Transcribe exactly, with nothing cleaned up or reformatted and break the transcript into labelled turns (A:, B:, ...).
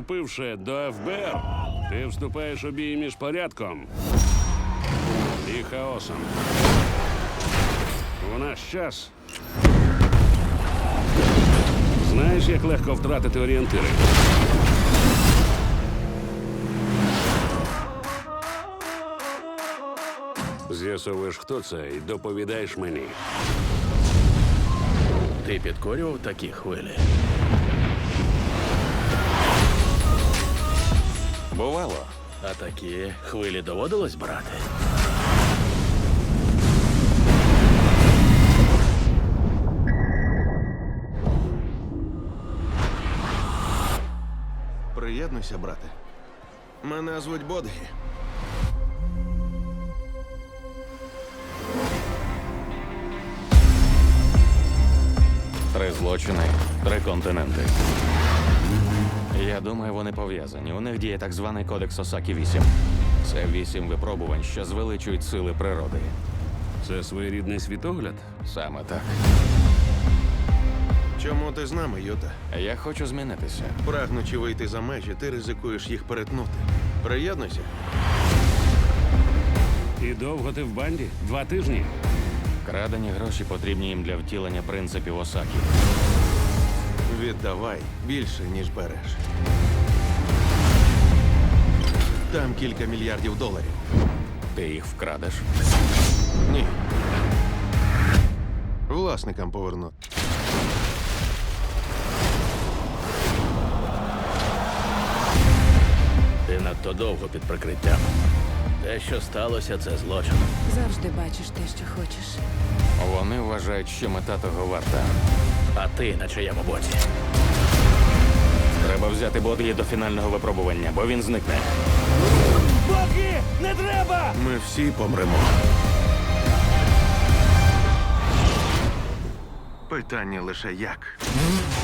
A: Вступивши до еф бе ер, ти вступаєш у бій між порядком і хаосом. У наш час знаєш, як легко втратити орієнтири. З'ясовуєш, хто це, і доповідаєш мені.
B: Ти підкорював такі хвилі?
C: Бувало.
B: А такі хвилі доводилось брати?
D: Приєднуйся, брате. Мене звуть Бодгі.
C: Три злочини, три континенти. Я думаю, вони пов'язані. У них діє так званий кодекс Осакі вісім. Це вісім випробувань, що звеличують сили природи.
A: Це своєрідний світогляд?
C: Саме так.
D: Чому ти з нами, Юта?
C: Я хочу змінитися.
D: Прагнучи вийти за межі, ти ризикуєш їх перетнути. Приєднуйся.
A: І довго ти в банді? Два тижні?
C: Крадені гроші потрібні їм для втілення принципів Осакі.
D: Віддавай більше, ніж береш. Там кілька мільярдів доларів.
C: Ти їх вкрадеш.
D: Ні. Власникам поверну.
B: Ти надто довго під прикриттям. Те, що сталося, це злочин.
E: Завжди бачиш те, що хочеш.
C: Вони вважають, що мета того варта.
B: А ти на чиєму боці?
C: Треба взяти Бодгі до фінального випробування, бо він зникне.
D: Ми всі помремо. Питання лише як.